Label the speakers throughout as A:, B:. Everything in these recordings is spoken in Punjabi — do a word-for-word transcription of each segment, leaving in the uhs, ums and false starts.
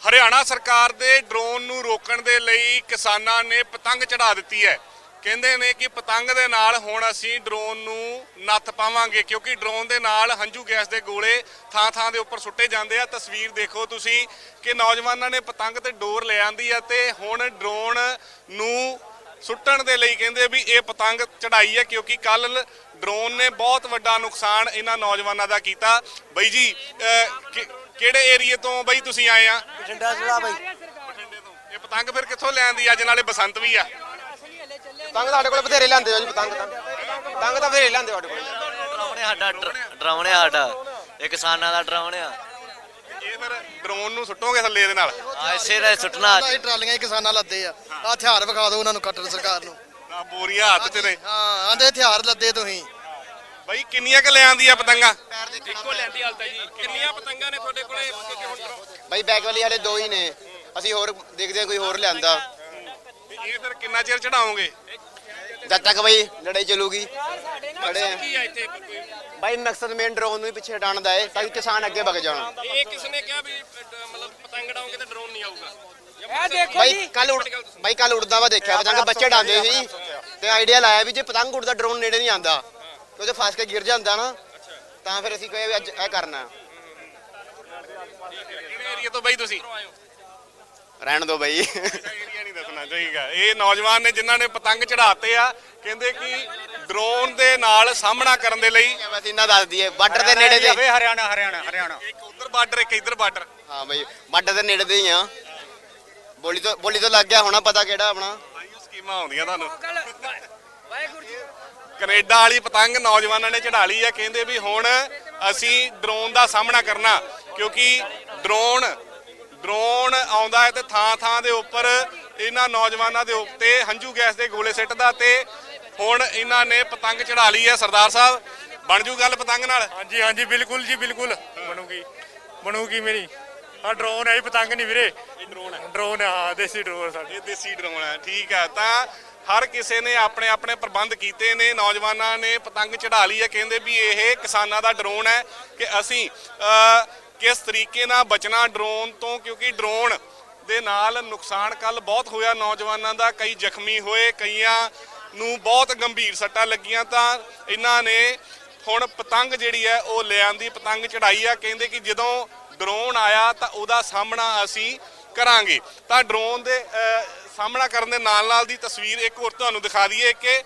A: ਹਰਿਆਣਾ ਸਰਕਾਰ ਦੇ ਡਰੋਨ ਨੂੰ ਰੋਕਣ ਦੇ ਲਈ ਕਿਸਾਨਾਂ ਨੇ ਪਤੰਗ ਚੜਾ ਦਿੱਤੀ ਹੈ। ਕਹਿੰਦੇ ਨੇ ਕਿ ਪਤੰਗ ਦੇ ਨਾਲ ਹੁਣ ਅਸੀਂ ਡਰੋਨ ਨੂੰ ਨੱਥ ਪਾਵਾਂਗੇ, ਕਿਉਂਕਿ ਡਰੋਨ ਦੇ ਨਾਲ ਹੰਝੂ ਗੈਸ ਦੇ ਗੋਲੇ ਥਾਂ ਥਾਂ ਦੇ ਉੱਪਰ ਸੁੱਟੇ ਜਾਂਦੇ ਆ। ਤਸਵੀਰ ਦੇਖੋ ਤੁਸੀਂ ਕਿ ਨੌਜਵਾਨਾਂ ਨੇ ਪਤੰਗ ਤੇ ਡੋਰ ਲੈ ਆਂਦੀ ਆ ਤੇ ਹੁਣ ਡਰੋਨ ਨੂੰ ਸੁੱਟਣ ਦੇ ਲਈ ਕਹਿੰਦੇ ਵੀ ਇਹ ਪਤੰਗ ਚੜਾਈ ਹੈ, ਕਿਉਂਕਿ ਕੱਲ ਡਰੋਨ ਨੇ ਬਹੁਤ ਵੱਡਾ ਨੁਕਸਾਨ ਇਹਨਾਂ ਨੌਜਵਾਨਾਂ ਦਾ ਕੀਤਾ। ਬਾਈ ਜੀ ਕਿਹੜੇ ਏਰੀਏ ਤੋਂ ਬਾਈ ਤੁਸੀਂ ਆਏ ਆ?
B: ਬਠਿੰਡਾ ਜ਼ਿਲ੍ਹਾ ਬਾਈ।
A: ਬਠਿੰਡੇ ਤੋਂ। ਇਹ ਪਤੰਗ ਫਿਰ ਕਿੱਥੋਂ ਲੈਂਦੀ ਅੱਜ? ਨਾਲੇ ਬਸੰਤ ਵੀ ਆ।
B: ਪਤੰਗ ਸਾਡੇ ਕੋਲ ਬਥੇਰੇ ਲੈਂਦੇ ਹੋ ਜੀ। ਪਤੰਗ ਤਾਂ ਪਤੰਗ ਤਾਂ ਬਥੇਰੇ ਲੈਂਦੇ ਸਾਡੇ ਕੋਲ।
C: ਡਰਾਉਣੇ ਸਾਡਾ ਡਰਾਉਣੇ ਸਾਡਾ ਇਹ ਕਿਸਾਨਾਂ ਦਾ ਡਰਾਉਣੇ ਆ।
A: ਇਹ ਫਿਰ ਡਰੋਨ ਨੂੰ ਸੁੱਟੋਗੇ ਥੱਲੇ ਇਹਦੇ ਨਾਲ?
C: ਆ ਇਸੇ ਦਾ ਸੁੱਟਣਾ।
B: ਇਹ ਟਰਾਲੀਆਂ ਹੀ ਕਿਸਾਨਾਂ ਲੱਦੇ ਆ। ਆ ਹਥਿਆਰ ਵਿਖਾ ਦਿਓ ਉਹਨਾਂ ਨੂੰ, ਕੱਟਣ ਸਰਕਾਰ ਨੂੰ।
A: ਆ ਬੋਰੀਆਂ ਹੱਥ 'ਚ ਨੇ।
B: ਹਾਂ ਆਂਦੇ ਹਥਿਆਰ ਲੱਦੇ ਤੁਸੀਂ।
A: ਬਾਈ ਕਿੰਨੀਆਂ ਕ ਲੈ ਆਂਦੀ ਆ ਪਤੰਗਾਂ?
D: ਇੱਕੋ ਲੈਂਦੀ ਹਾਲ ਤਾਂ ਜੀ। ਕਿੰਨੀਆਂ ਪਤੰਗਾਂ ਨੇ ਤੁਹਾਡੇ ਕੋਲੇ?
B: ਬਾਈ ਬੈਕ ਵਾਲੀ ਵਾਲੇ ਦੋ ਹੀ ਨੇ, ਅਸੀਂ ਹੋਰ ਦੇਖਦੇ ਕੋਈ ਹੋਰ ਲਿਆਂਦਾ।
A: ਇਹ ਫਿਰ ਕਿੰਨਾ ਚਿਰ ਚੜਾਓਗੇ?
B: ਜਦ ਤੱਕ ਬਾਈ ਲੜਾਈ ਚੱਲੂਗੀ। ਖੜੇ ਆ
D: ਕੀ ਆ ਇੱਥੇ?
B: ਬਾਈ ਮਕਸਦ ਮੇਨ ਡਰੋਨ ਨੂੰ ਹੀ ਪਿੱਛੇ ਹਟਾਉਣ ਦਾ ਹੈ ਤਾਂ ਕਿ ਕਿਸਾਨ ਅੱਗੇ ਵਗ ਜਾਣ।
D: ਇਹ ਕਿਸ ਨੇ ਕਿਹਾ ਵੀ ਮਤਲਬ ਪਤੰਗ ਡਾਉਂਗੇ ਤੇ ਡਰੋਨ ਨਹੀਂ ਆਊਗਾ?
E: ਇਹ ਦੇਖੋ
B: ਬਾਈ
E: ਜੀ,
B: ਕੱਲ ਬਾਈ ਕੱਲ ਉੜਦਾ ਵਾ ਦੇਖਿਆ ਪਤੰਗ, ਬੱਚੇ ਡਾਂਦੇ ਸੀ ਤੇ ਆਈਡੀਆ ਲਾਇਆ ਵੀ ਜੇ ਪਤੰਗ ਉੜਦਾ ਡਰੋਨ ਨੇੜੇ ਨਹੀਂ ਆਂਦਾ ਤੇ ਉਹਦੇ ਫਸ ਕੇ ਗਿਰ ਜਾਂਦਾ ਨਾ, ਤਾਂ ਫਿਰ ਅਸੀਂ ਕਹੇ ਵੀ ਅੱਜ ਇਹ ਕਰਨਾ।
A: ਕਿਹੜੇ ਏਰੀਏ ਤੋਂ ਬਾਈ ਤੁਸੀਂ?
B: ਰਹਿਣ ਦੋ ਬਾਈ।
A: ਏਰੀਆ ਨਹੀਂ ਦੱਸਣਾ ਚਾਹੀਦਾ। ਇਹ ਨੌਜਵਾਨ ਨੇ ਜਿਨ੍ਹਾਂ ਨੇ ਪਤੰਗ ਚੜਾਤੇ ਆ, ਕਹਿੰਦੇ ਕਿ ਡਰੋਨ ਦੇ ਨਾਲ ਸਾਹਮਣਾ ਕਰਨ ਦੇ ਲਈ।
B: ਬਸ ਇਹਨਾਂ ਦੱਸ ਦਈਏ ਬਾਰਡਰ ਦੇ ਨੇੜੇ ਦੇ।
D: ਹਰਿਆਣਾ ਹਰਿਆਣਾ ਹਰਿਆਣਾ
A: ਇੱਕ ਉਧਰ ਬਾਰਡਰ, ਇੱਕ ਇੱਧਰ ਬਾਰਡਰ।
B: ਹਾਂ ਬਾਈ ਬਾਰਡਰ ਦੇ ਨੇੜੇ ਦੇ ਹੀ ਆ। ਬੋਲੀ ਤੋਂ ਬੋਲੀ ਤੋਂ ਲੱਗ ਗਿਆ ਹੋਣਾ ਪਤਾ ਕਿਹੜਾ ਆਪਣਾ।
A: ਸਕੀਮਾਂ ਆਉਂਦੀਆਂ ਤੁਹਾਨੂੰ।
E: ਵਾਹਿਗੁਰੂ ਜੀ।
A: ਕੈਨੇਡਾ ਵਾਲੀ ਪਤੰਗ ਨੌਜਵਾਨਾਂ ਨੇ ਚੜਾ ਲਈ ਆ। ਕਹਿੰਦੇ ਵੀ ਹੁਣ ਅਸੀਂ ਡਰੋਨ ਦਾ ਸਾਹਮਣਾ ਕਰਨਾ, ਕਿਉਂਕਿ ਡਰੋਨ ਡਰੋਨ ਆਉਂਦਾ ਹੈ ਤੇ ਥਾਂ ਥਾਂ ਦੇ ਉੱਪਰ ਇਹਨਾਂ ਨੌਜਵਾਨਾਂ ਦੇ ਉੱਤੇ ਹੰਝੂ ਗੈਸ ਦੇ ਗੋਲੇ ਸਿੱਟਦਾ ਤੇ ਹੁਣ ਇਹਨਾਂ ਨੇ ਪਤੰਗ ਚੜਾ ਲਈ ਹੈ। ਸਰਦਾਰ ਸਾਹਿਬ ਬਣ ਜੂ ਗੱਲ ਪਤੰਗ ਨਾਲ?
D: ਹਾਂਜੀ ਹਾਂਜੀ ਬਿਲਕੁਲ ਜੀ ਬਿਲਕੁਲ ਬਣੂਗੀ ਬਣੂਗੀ ਮੇਰੀ। ਆ ਡਰੋਨ ਹੈ ਪਤੰਗ ਨਹੀਂ ਵੀਰੇ।
A: ਇਹ ਡਰੋਨ ਹੈ।
D: ਡਰੋਨ ਹਾਂ ਦੇਸੀ ਡਰੋਨ ਸਾਡੇ।
A: ਇਹ ਦੇਸੀ ਡਰੋਨ ਹੈ। ਠੀਕ ਹੈ, ਤਾਂ ਹਰ ਕਿਸੇ ਨੇ ਆਪਣੇ ਆਪਣੇ ਪ੍ਰਬੰਧ ਕੀਤੇ ਨੇ। ਨੌਜਵਾਨਾਂ ਨੇ ਪਤੰਗ ਚੜਾ ਲਈ ਹੈ। ਕਹਿੰਦੇ ਵੀ ਇਹ ਕਿਸਾਨਾਂ ਦਾ ਡਰੋਨ ਹੈ ਕਿ ਅਸੀਂ ਕਿਸ ਤਰੀਕੇ ਨਾਲ ਬਚਣਾ ਡਰੋਨ ਤੋਂ, ਕਿਉਂਕਿ ਡਰੋਨ ਦੇ ਨਾਲ ਨੁਕਸਾਨ ਕੱਲ ਬਹੁਤ ਹੋਇਆ ਨੌਜਵਾਨਾਂ ਦਾ। ਕਈ ਜ਼ਖਮੀ ਹੋਏ, ਕਈਆਂ ਨੂੰ ਬਹੁਤ ਗੰਭੀਰ ਸੱਟਾਂ ਲੱਗੀਆਂ। ਤਾਂ ਇਹਨਾਂ ਨੇ ਹੁਣ ਪਤੰਗ ਜਿਹੜੀ ਹੈ ਉਹ ਲੈ ਆਂਦੀ, ਪਤੰਗ ਚੜਾਈ ਆ। ਕਹਿੰਦੇ ਕਿ ਜਦੋਂ ਡਰੋਨ ਆਇਆ ਤਾਂ ਉਹਦਾ ਸਾਹਮਣਾ ਅਸੀਂ ਕਰਾਂਗੇ। ਤਾਂ ਡਰੋਨ ਦੇ ਸਾਹਮਣਾ ਕਰਨ ਦੇ ਨਾਲ ਨਾਲ ਦੀ ਤਸਵੀਰ ਇੱਕ ਹੋਰ ਤੁਹਾਨੂੰ ਦਿਖਾ ਦਈਏ ਕਿ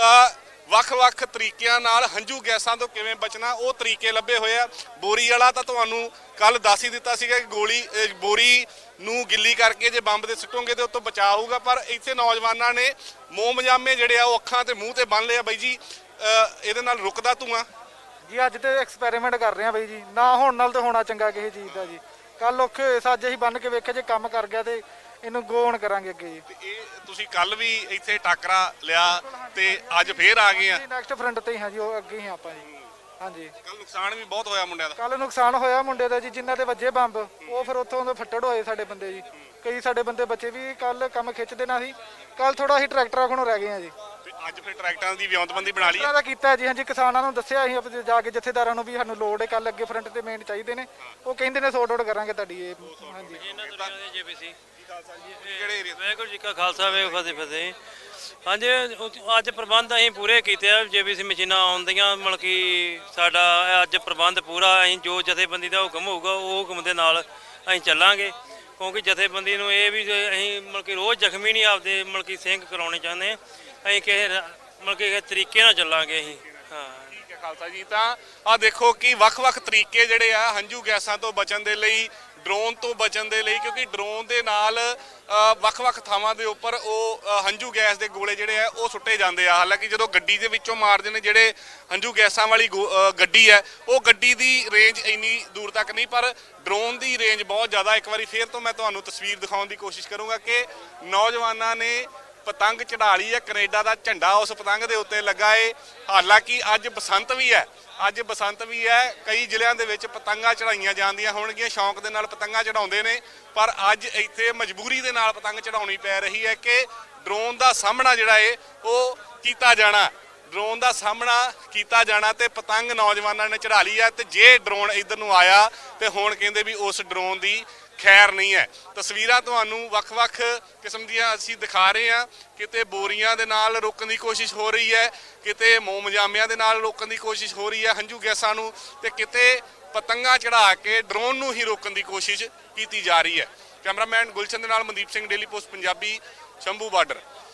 A: ਵੱਖ-ਵੱਖ ਤਰੀਕਿਆਂ ਨਾਲ ਹੰਝੂ ਗੈਸਾਂ ਤੋਂ ਕਿਵੇਂ ਬਚਣਾ, ਉਹ ਤਰੀਕੇ ਲੱਭੇ ਹੋਏ ਆ। ਬੋਰੀ ਵਾਲਾ ਤਾਂ ਤੁਹਾਨੂੰ ਕੱਲ ਦੱਸ ਹੀ ਦਿੱਤਾ ਸੀਗਾ ਕਿ ਗੋਲੀ ਬੋਰੀ ਨੂੰ ਗਿੱਲੀ ਕਰਕੇ ਜੇ ਬੰਬ ਦੇ ਸੁੱਟੋਗੇ ਤੇ ਉਤੋਂ ਬਚਾਅ ਹੋਊਗਾ। ਪਰ ਇੱਥੇ ਨੌਜਵਾਨਾਂ ਨੇ ਮੋਮਜਾਮੇ ਜਿਹੜੇ ਆ ਉਹ ਅੱਖਾਂ ਤੇ ਮੂੰਹ ਤੇ ਬੰਨ ਲਿਆ। ਬਾਈ ਜੀ ਇਹਦੇ ਨਾਲ ਰੁਕਦਾ ਧੂਆਂ
F: ਜੀ? ਅੱਜ ਤੇ ਐਕਸਪੈਰੀਮੈਂਟ ਕਰ ਰਹੇ ਆ ਬਾਈ ਜੀ। ਨਾ ਹੋਣ ਨਾਲ ਤੇ ਹੋਣਾ ਚੰਗਾ ਕਿਸੇ ਚੀਜ਼ ਦਾ ਜੀ। ਕੱਲ ਔਖੇ ਹੋਏ ਸੱਜ ਅਸੀਂ ਬੰਨ ਕੇ ਵੇਖਿਆ, ਜੇ ਕੰਮ ਕਰ ਗਿਆ ਤੇ ਇਹਨੂੰ ਗੋਣ ਕਰਾਂਗੇ ਅੱਗੇ ਜੀ।
A: ਇਹ ਤੁਸੀਂ ਕੱਲ ਵੀ ਇੱਥੇ ਟਾਕਰਾ ਲਿਆ ਤੇ ਅੱਜ ਫੇਰ ਆ ਗਏ ਆ?
F: ਨੈਕਸਟ ਫਰੰਟ ਤੇ ਹੀ ਹਾਂ ਜੀ, ਉਹ ਅੱਗੇ ਹੀ ਆਪਾਂ ਜੀ। ਹਾਂਜੀ
A: ਕੱਲ ਨੁਕਸਾਨ ਵੀ ਬਹੁਤ ਹੋਇਆ ਮੁੰਡਿਆਂ ਦਾ।
F: ਕੱਲ ਨੁਕਸਾਨ ਹੋਇਆ ਮੁੰਡੇ ਦਾ ਜੀ, ਜਿਨ੍ਹਾਂ ਦੇ ਵੱਜੇ ਬੰਬ ਉਹ ਫਿਰ ਉੱਥੋਂ ਦੇ ਫੱਟੜ ਹੋਏ ਸਾਡੇ ਬੰਦੇ ਜੀ। ਕਈ ਸਾਡੇ ਬੰਦੇ ਬੱਚੇ ਵੀ ਕੱਲ ਕੰਮ ਖਿੱਚ ਦੇਣਾ ਸੀ। ਕੱਲ ਥੋੜਾ ਅਸੀਂ ਟਰੈਕਟਰਾਂ ਕੋਲੋਂ ਰਹਿ ਗਏ ਆ ਜੀ।
A: ਤੇ ਅੱਜ ਫਿਰ ਟਰੈਕਟਰਾਂ ਦੀ ਵਿਉਂਤਬੰਦੀ ਬਣਾ ਲਈ
F: ਇਹਨਾਂ ਦਾ ਕੀਤਾ ਜੀ। ਹਾਂਜੀ ਕਿਸਾਨਾਂ ਨੂੰ ਦੱਸਿਆ ਅਸੀਂ ਆਪਣੇ ਜਾ ਕੇ ਜਥੇਦਾਰਾਂ ਨੂੰ ਵੀ ਸਾਨੂੰ ਲੋੜ ਹੈ, ਕੱਲ ਅੱਗੇ ਫਰੰਟ ਤੇ ਮੇਨ ਚਾਹੀਦੇ ਨੇ। ਉਹ ਕਹਿੰਦੇ ਨੇ ਸੌਟ ਆਊਟ ਕਰਾਂਗੇ ਤੁਹਾਡੀ ਇਹ। ਹਾਂਜੀ
D: ਜੇਬੀਸੀ
A: ਕਿਹੜੇ ਏਰੀਆ?
D: ਵਾਹਿਗੁਰੂ ਜੀ ਕਾ ਖਾਲਸਾ ਵਾਹਿਗੁਰੂ ਜੀ ਕੀ ਫਤਿਹ। ਹਾਂਜੀ ਅੱਜ ਪ੍ਰਬੰਧ ਅਸੀਂ ਪੂਰੇ ਕੀਤੇ ਆ। ਜੇਬੀਸੀ ਮਸ਼ੀਨਾਂ ਆਉਂਦੀਆਂ, ਮਤਲਬ ਕਿ ਸਾਡਾ ਅੱਜ ਪ੍ਰਬੰਧ ਪੂਰਾ। ਅਸੀਂ ਜੋ ਜਥੇਬੰਦੀ ਦਾ ਹੁਕਮ ਹੋਊਗਾ ਉਹ ਹੁਕਮ ਦੇ ਨਾਲ ਅਸੀਂ ਚੱਲਾਂਗੇ, ਕਿਉਂਕਿ ਜਥੇਬੰਦੀ ਨੂੰ ਇਹ ਵੀ ਅਸੀਂ ਮਤਲਬ ਕਿ ਰੋਜ਼ ਜ਼ਖਮੀ ਨਹੀਂ ਆਪਦੇ ਮਤਲਬ ਕਿ ਸਿੰਘ ਕਰਾਉਣੇ ਚਾਹੁੰਦੇ। ਅਸੀਂ ਕਿਸੇ ਮਤਲਬ ਕਿ ਤਰੀਕੇ ਨਾਲ ਚੱਲਾਂਗੇ ਅਸੀਂ। ਹਾਂ
A: ਠੀਕ ਹੈ ਖਾਲਸਾ ਜੀ। ਤਾਂ ਆਹ ਦੇਖੋ ਕਿ ਵੱਖ-ਵੱਖ ਤਰੀਕੇ ਜਿਹੜੇ ਆ ਹੰਝੂ ਗੈਸਾਂ ਤੋਂ ਬਚਣ ਦੇ ਲਈ, ਡਰੋਨ ਤੋਂ ਬਚਣ ਦੇ ਲਈ, ਕਿਉਂਕਿ ਡਰੋਨ ਦੇ ਨਾਲ ਵੱਖ-ਵੱਖ ਥਾਵਾਂ ਦੇ ਉੱਪਰ ਉਹ ਹੰਝੂ ਗੈਸ ਦੇ ਗੋਲੇ ਜਿਹੜੇ ਆ ਉਹ ਸੁੱਟੇ ਜਾਂਦੇ ਆ। ਹਾਲਾਂਕਿ ਜਦੋਂ ਗੱਡੀ ਦੇ ਵਿੱਚੋਂ ਮਾਰਦੇ ਨੇ ਜਿਹੜੇ ਹੰਝੂ ਗੈਸਾਂ ਵਾਲੀ ਗੱਡੀ ਹੈ, ਉਹ ਗੱਡੀ ਦੀ ਰੇਂਜ ਇੰਨੀ ਦੂਰ ਤੱਕ ਨਹੀਂ, ਪਰ ਡਰੋਨ ਦੀ ਰੇਂਜ ਬਹੁਤ ਜ਼ਿਆਦਾ। ਇੱਕ ਵਾਰੀ ਫੇਰ ਤੋਂ ਮੈਂ ਤੁਹਾਨੂੰ ਤਸਵੀਰ ਦਿਖਾਉਣ ਦੀ ਕੋਸ਼ਿਸ਼ ਕਰੂੰਗਾ ਕਿ ਨੌਜਵਾਨਾਂ ਨੇ ਪਤੰਗ ਚੜਾ ਲਈ ਹੈ। ਕੈਨੇਡਾ ਦਾ ਝੰਡਾ ਉਸ ਪਤੰਗ ਦੇ ਉੱਤੇ ਲੱਗਾ ਏ। ਹਾਲਾਂਕਿ ਅੱਜ ਬਸੰਤ ਵੀ ਹੈ, ਅੱਜ ਬਸੰਤ ਵੀ ਹੈ। ਕਈ ਜ਼ਿਲ੍ਹਿਆਂ ਦੇ ਵਿੱਚ ਪਤੰਗਾਂ ਚੜਾਈਆਂ ਜਾਂਦੀਆਂ ਹੋਣਗੀਆਂ, ਸ਼ੌਂਕ ਦੇ ਨਾਲ ਪਤੰਗਾਂ ਚੜਾਉਂਦੇ ਨੇ, ਪਰ ਅੱਜ ਇੱਥੇ ਮਜਬੂਰੀ ਦੇ ਨਾਲ ਪਤੰਗ ਚੜਾਉਣੀ ਪੈ ਰਹੀ ਹੈ ਕਿ ਡਰੋਨ ਦਾ ਸਾਹਮਣਾ ਜਿਹੜਾ ਏ ਉਹ ਕੀਤਾ ਜਾਣਾ। ਡਰੋਨ ਦਾ ਸਾਹਮਣਾ ਕੀਤਾ ਜਾਣਾ ਤੇ ਪਤੰਗ ਨੌਜਵਾਨਾਂ ਨੇ ਚੜਾ ਲਈ ਹੈ। ਤੇ ਜੇ ਡਰੋਨ ਇੱਧਰ ਨੂੰ ਆਇਆ ਤੇ ਹੁਣ ਕਹਿੰਦੇ ਵੀ ਉਸ ਡਰੋਨ ਦੀ ਖੈਰ ਨਹੀਂ ਹੈ। ਤਸਵੀਰਾਂ ਤੁਹਾਨੂੰ ਵੱਖ-ਵੱਖ ਕਿਸਮ ਦੀਆਂ ਅਸੀਂ ਦਿਖਾ ਰਹੇ ਹਾਂ। ਕਿਤੇ ਬੋਰੀਆਂ ਦੇ ਨਾਲ ਰੋਕਣ ਦੀ ਕੋਸ਼ਿਸ਼ ਹੋ ਰਹੀ ਹੈ, ਕਿਤੇ ਮੋਮਜਾਮਿਆਂ ਦੇ ਨਾਲ ਰੋਕਣ ਦੀ ਕੋਸ਼ਿਸ਼ ਹੋ ਰਹੀ ਹੈ ਹੰਝੂ ਗੈਸਾਂ ਨੂੰ, ਤੇ ਕਿਤੇ ਪਤੰਗਾਂ ਚੜਾ ਕੇ ਡਰੋਨ ਨੂੰ ਹੀ ਰੋਕਣ ਦੀ ਕੋਸ਼ਿਸ਼ ਕੀਤੀ ਜਾ ਰਹੀ ਹੈ। ਕੈਮਰਾਮੈਨ ਗੁਲਸ਼ਨ ਦੇ ਨਾਲ Mandeep Singh, Daily Post Punjabi, Shambhu border.